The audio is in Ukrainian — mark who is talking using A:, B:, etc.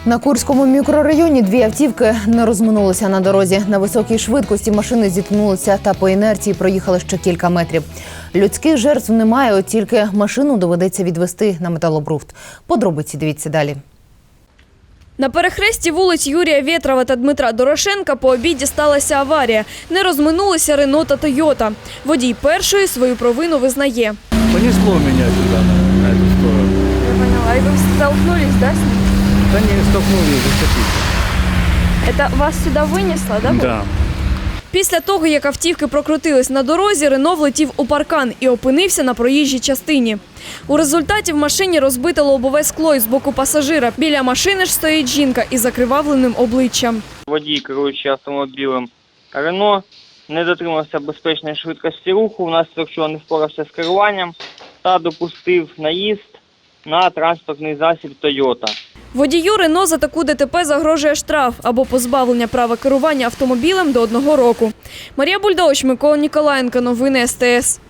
A: На Курському мікрорайоні дві автівки не розминулися на дорозі. На високій швидкості машини зіткнулися та по інерції проїхали ще кілька метрів. Людських жертв немає, от тільки машину доведеться відвезти на металобрухт. Подробиці дивіться далі.
B: На перехресті вулиць Юрія Вєтрова та Дмитра Дорошенка по обіді сталася аварія. Не розминулися Рено та Тойота. Водій першої свою провину визнає.
C: Понесло меня сюда, на эту сторону.
B: Я поняла. І ви столкнулись, да, з ним?
C: Да не, столкнулись, зацепились.
B: Це вас сюди винесло, да?
C: Да.
B: Після того, як автівки прокрутились на дорозі, Рено влетів у паркан і опинився на проїжджій частині. У результаті в машині розбите лобове скло із боку пасажира. Біля машини ж стоїть жінка із закривавленим обличчям.
D: Водій, керуючи автомобілем Рено, не дотримався безпечної швидкості руху, внаслідок чого не впорався з керуванням та допустив наїзд на транспортний засіб «Тойота».
B: Водію Рено за таку ДТП загрожує штраф або позбавлення права керування автомобілем до 1 року. Марія Бульдович, Микола Ніколаєнко. Новини СТС.